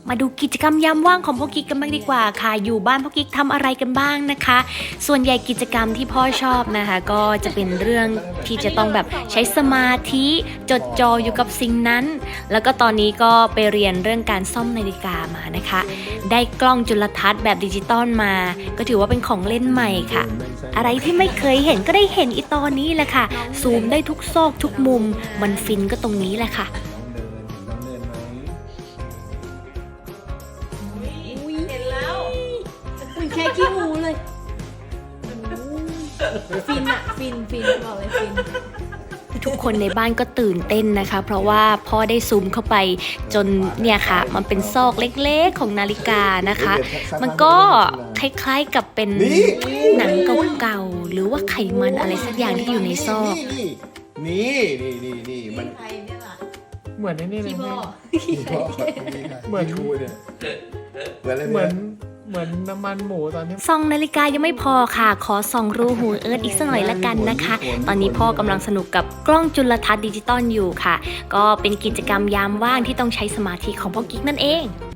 มาดูกิจกรรมยามว่างของพ่อกิ๊กกันบ้างดีกว่าค่ะอยู่บ้านพ่อกิ๊กทำอะไรกันบ้างนะคะส่วนใหญ่กิจกรรมที่พ่อชอบนะคะก็จะเป็นเรื่องที่จะต้องแบบใช้สมาธิจดจ่ออยู่กับสิ่งนั้นแล้วก็ตอนนี้ก็ไปเรียนเรื่องการซ่อมนาฬิกามานะคะได้กล้องจุลทรรศน์แบบดิจิตอลมาก็ถือว่าเป็นของเล่นใหม่ค่ะอะไรที่ไม่เคยเห็นก็ได้เห็นอีตอนนี้แหละค่ะซูมได้ทุกซอกทุกมุมมันฟินก็ตรงนี้แหละค่ะเห็นแล้วมันแค่ขี้หูเลยฟินอะฟินบอกเลยฟินทุกคนในบ้านก็ตื่นเต้นนะคะเพราะว่าพ่อได้ซูมเข้าไปจนเนี่ยค่ะมันเป็นซอกเล็กๆของนาฬิกานะคะมันก็คล้ายๆกับเป็นหนังเก่าๆหรือว่าไขมันอะไรสักอย่างที่อยู่ในซอกนี่มันใครเนี่ยล่ะเหมือนนี่เลยพี่พ่อเหมือนชูเนี่ยเหมือนอะไรเหมือนน้ำมันหมูตอนที่ส่องนาฬิกายังไม่พอค่ะขอส่องรูหูเอิร์ธอีกสักหน่อยละกันนะคะตอนนี้พ่อกำลังสนุกกับกล้องจุลทรรศน์ดิจิตอลอยู่ค่ะก็เป็นกิจกรรมยามว่างที่ต้องใช้สมาธิของพ่อกิ๊กนั่นเอง